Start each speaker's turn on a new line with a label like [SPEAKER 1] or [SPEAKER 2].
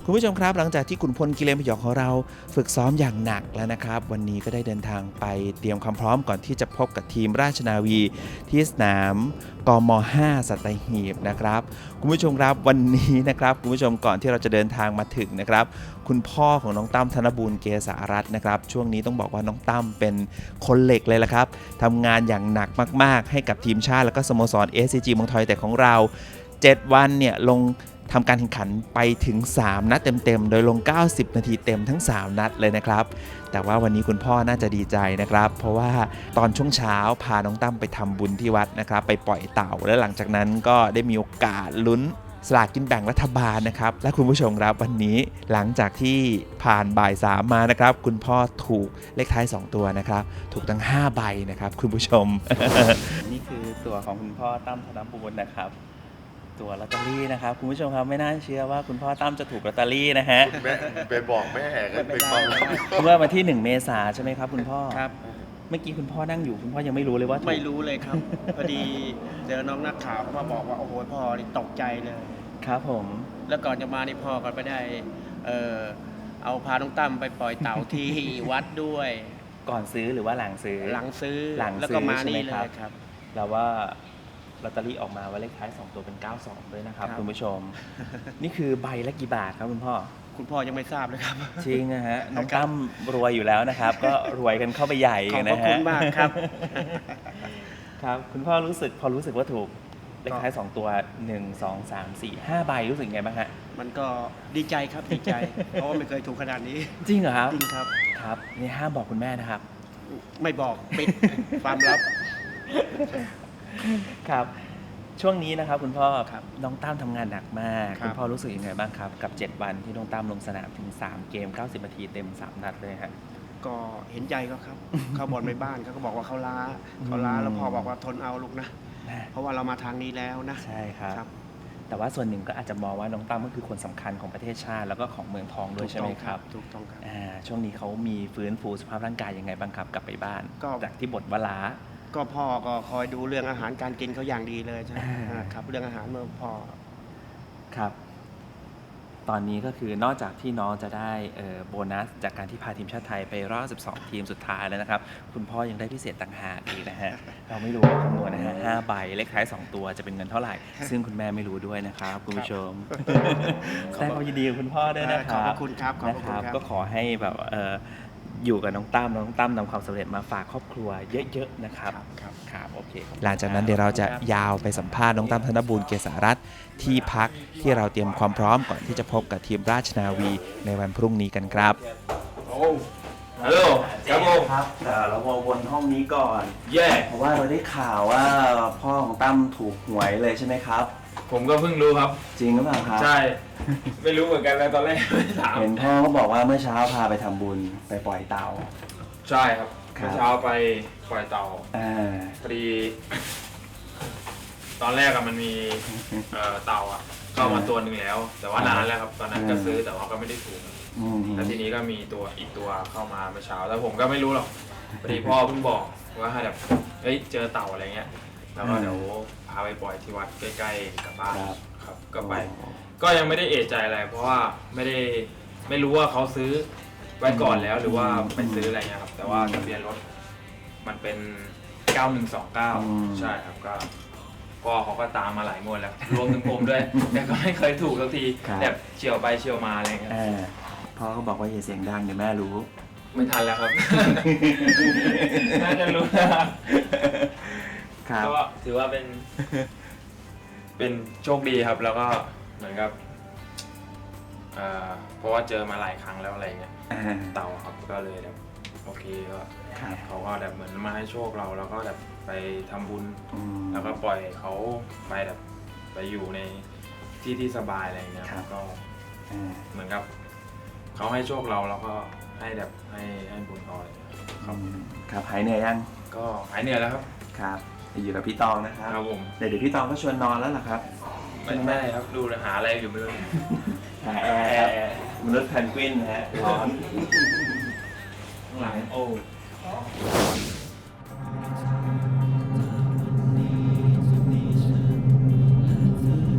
[SPEAKER 1] คุณผู้ชมครับหลังจากที่ขุนพลกิเลนพยองของเราฝึกซ้อมอย่างหนักแล้วนะครับวันนี้ก็ได้เดินทางไปเตรียมความพร้อมก่อนที่จะพบกับทีมราชนาวีที่สนามกม5 สัตหีบนะครับคุณผู้ชมครับวันนี้นะครับคุณผู้ชมก่อนที่เราจะเดินทางมาถึงนะครับคุณพ่อของน้องตั้มธนบูรณ์เกษารัตน์นะครับช่วงนี้ต้องบอกว่าน้องตั้มเป็นคนเหล็กเลยละครับทำงานอย่างหนักมากๆให้กับทีมชาติแล้วก็สโมสร SCG เมืองทอยแต่ของเรา7 วันเนี่ยลงทำการแข่งขันไปถึง3นัดเต็มๆโดยลง90นาทีเต็มทั้ง3นัดเลยนะครับแต่ว่าวันนี้คุณพ่อน่าจะดีใจนะครับเพราะว่าตอนช่วงเช้าพาน้องตั้มไปทำบุญที่วัดนะครับไปปล่อยเต่าและหลังจากนั้นก็ได้มีโอกาสลุ้นสลากกินแบ่งรัฐบาลนะครับและคุณผู้ชมครับวันนี้หลังจากที่ผ่านบ่าย3มานะครับคุณพ่อถูกเลขท้าย2ตัวนะครับถูกทั้ง5ใบนะครับคุณผู้ชม นี่คือตัวของคุณพ่อตั้มธนบูรณ์นะครับตัวลอตเตอรี่นะครับคุณผู้ชมครับไม่น่าเชื่อว่าคุณพ่อตั้มจะถูกลอตเตอรี่นะฮะ
[SPEAKER 2] แม่ไปบอกแม่กันเป็นความลับ
[SPEAKER 1] เมื่อวันที่1 เมษายนใช่ไหมครับคุณพ่อ
[SPEAKER 3] ครับ
[SPEAKER 1] เมื่อกี้คุณพ่อนั่งอยู่คุณพ่อยังไม่รู้เลยว่าถูก
[SPEAKER 3] ไม่รู้เลยครับ พอดีเจอน้องนักข่าวเขามาบอกว่าโอ้โหพ่อนี่ตกใจเลย
[SPEAKER 1] ครับผม
[SPEAKER 3] แล้วก่อนจะมานี่พ่อก็ไปได้เอาพาน้องตั้มไปปล่อยเต่าที่ วัดด้วย
[SPEAKER 1] ก่อนซื้อหรือว่าหลังซื้อ
[SPEAKER 3] หลังซื้อ
[SPEAKER 1] หลังซื้อ
[SPEAKER 3] แล้วก็มานี่
[SPEAKER 1] ใช่ไหม
[SPEAKER 3] เล
[SPEAKER 1] ครับ
[SPEAKER 3] ยครับ
[SPEAKER 1] แล้วว่าลอตเตอรี่ออกมาว่าเลขท้าย2ตัวเป็น92ด้วยนะครับ
[SPEAKER 3] ครับ
[SPEAKER 1] คุณผู้ชม นี่คือใบละกี่บาทครับคุณพ่อ
[SPEAKER 3] คุณพ่อยังไม่ทราบเลยครับ
[SPEAKER 1] จริงนะฮะน้องตั้มรวยอยู่แล้วนะครับ ก็รวยกันเข้าไปใหญ่
[SPEAKER 3] ขอบพ
[SPEAKER 1] นะ
[SPEAKER 3] ระคุ
[SPEAKER 1] ฮะ
[SPEAKER 3] ณมากครับ
[SPEAKER 1] ครับคุณพ่อพอรู้สึกว่าถูกเลขท้าย2ตัว1 2 3 4 5ใบรู้สึกไงบ้างฮะ
[SPEAKER 3] มันก็ดีใจครับดีใจ เพราะว่าไม่เคยถูกขนาดนี้
[SPEAKER 1] จริงเหรอครับ
[SPEAKER 3] จริงครับ
[SPEAKER 1] ครับนี่ห้ามบอกคุณแม่นะครับ
[SPEAKER 3] ไม่บอกปิด ความลับ
[SPEAKER 1] ครับช่วงนี้นะครับคุณพ่อ
[SPEAKER 3] ครับ
[SPEAKER 1] น้องตั้มทำงานหนักมาก
[SPEAKER 3] ครับ
[SPEAKER 1] คุณพ่อรู้สึกยังไงบ้างครับกับ7 วันที่น้องตั้มลงสนามถึง3เกม90นาทีเต็ม3นัดเลยฮะ
[SPEAKER 3] ก็เห็นใจเขาครับ เขาบ่นในบ้านเขาก็บอกว่าเขาล้าแล้วพ่อบอกว่าทนเอาลูกนะ เพราะว่าเรามาทางนี้แล้วนะ
[SPEAKER 1] ใช่ครับ
[SPEAKER 3] ครับ
[SPEAKER 1] แต่ว่าส่วนหนึ่งก็อาจจะมองว่าน้องตั้มก็คือคนสำคัญของประเทศชาติแล้วก็ของเมืองทองด้วยใช่ไหมครับ
[SPEAKER 3] ถูกต้องครับ
[SPEAKER 1] ช่วงนี้เขามีฟื้นฟูสภาพร่างกายยังไงบ้างครับกลับไปบ้าน
[SPEAKER 3] ก็
[SPEAKER 1] จากที่บ่นว่าล้า
[SPEAKER 3] ก็พ่อก็คอยดูเรื่องอาหารการกินเขาอย่างดีเลยใช่ไหม ครับ เรื่องอาหารเมื่อพ่อ
[SPEAKER 1] ครับ ตอนนี้ก็คือนอกจากที่น้องจะได้โบนัสจากการที่พาทีมชาติไทยไปรอบ12 ทีมสุดท้ายแล้วนะครับ คุณพ่อยังได้พิเศษต่างหากอีกนะฮะ เราไม่รู้ว่าคำนวณนะฮะ5ใบเลขท้าย2ตัวจะเป็นเงินเท่าไหร่ ซึ่งคุณแม่ไม่รู้ด้วยนะครับคุณผู้ชมแสดงความยินดีกับคุณพ่อด้วยนะค
[SPEAKER 3] ขอบ
[SPEAKER 1] รั
[SPEAKER 3] พระคุณครับขอบพระคุณ
[SPEAKER 1] นะครับ ก็ขอให้แบบอยู่กับน้องตั้มนำความสำเร็จมาฝากครอบครัวเยอะๆนะครับ ครับโอเคหลังจากนั้นเดี๋ยวเราจะยาวไปสัมภาษณ์น้องตั้มธนบูรณ์เกษารัตน์ที่พักที่เราเตรียมความพร้อมก่อนที่จะพบกับทีมราชนาวีในวันพรุ่งนี้กันครับ
[SPEAKER 2] ฮัลโหลครับผม
[SPEAKER 1] ครับเราวนห้องนี้ก่อน
[SPEAKER 2] แย่
[SPEAKER 1] เพราะว่าเราได้ข่าวว่าพ่อของตั้มถูกหวยเลยใช่ไหมครับ
[SPEAKER 2] ผมก็เพิ่งรู้ครับ
[SPEAKER 1] จริงหรือเปล่าครับ
[SPEAKER 2] ใช่ ไม่รู้เหมือนกันเลยตอนแรกไม่ถาม
[SPEAKER 1] เห็นพ่อเขาบอกว่าเมื่อเช้าพาไปทำบุญไปปล่อยเต่า
[SPEAKER 2] ใช่ครับ
[SPEAKER 1] ครับ
[SPEAKER 2] เมื่อเช้าไปปล่อยเต่า
[SPEAKER 1] อ่า
[SPEAKER 2] พอดี ตอนแรกอะมันมีเต่าอะเข้ามาตัวหนึ่งแล้ว แต่ว่านานแล้วครับ ตอนนั้นก็ซื้อแต่ว่าก็ไม่ได้ถูก
[SPEAKER 1] อืม
[SPEAKER 2] แล้วทีนี้ก็มีอีกตัวเข้ามาเมื่อเช้าแล้วผมก็ไม่รู้หรอกพอดีพ่อเพิ่งบอกว่าแบบเฮ้ยเจอเต่าอะไรเงี้ยแล้วก็เดี๋ยวพาไปปล่อยที่วัดใกล้ๆกับบ้านครับก็ไป ก็ยังไม่ได้เอะใจอะไรเพราะว่าไม่รู้ว่าเขาซื้อไว้ก่อนแล้วหรือว่าไปซื้ออะไรเงี้ยครับแต่ว่าทะเบียนรถมันเป็น 9129 ใช่ครับก็พ่อเขาก็ตามมาหลายงวดแล้วรวมถึงผมด้วย แต่ก็ไม่เคยถูกสักทีแบบเฉียวไปเฉียวมาอะไรเงี้ย
[SPEAKER 1] พ่อเขาบอกว่าอย่าเสียงดังเดี๋ยวแม่รู้
[SPEAKER 2] ไม่ทันแล้วครับ น่าจะรู้นะครับ
[SPEAKER 1] ครับ
[SPEAKER 2] ก็ถือว่าเป็นโชคดีครับ แล้วก็เหมือนกับเพราะว่าเจอมาหลายครั้งแล้วอะไรเงี้ยเต่าครับก็เลยแบบโอเคก็เขาก็แบบเหมือนมาให้โชคเราแล้วก็แบบไปทำบุญแล้วก็ปล่อยเขาไปแบบไปอยู่ในที่สบายอะไรเงี้ยก็เหมือนกับเขาให้โชคเราแล้วก็ให้แบบให้บุญเขาอะไรเงี้ยครับ
[SPEAKER 1] ครับหายเหนื่อยยัง
[SPEAKER 2] ก็หายเหนื่อยแล้วครับ
[SPEAKER 1] ครับอยู่กับพี่ตองนะครับ
[SPEAKER 2] ครับผม
[SPEAKER 1] เดี๋ยวพี่ตองก็ชวนนอนแล้วล่ะครับ
[SPEAKER 2] ไม่ครับดูหาอะไรอยู่ไม่รู้
[SPEAKER 1] หาแอร์ครับมนุษย์แพนกวินนะฮะร้อน
[SPEAKER 2] ข้างหลังโอ้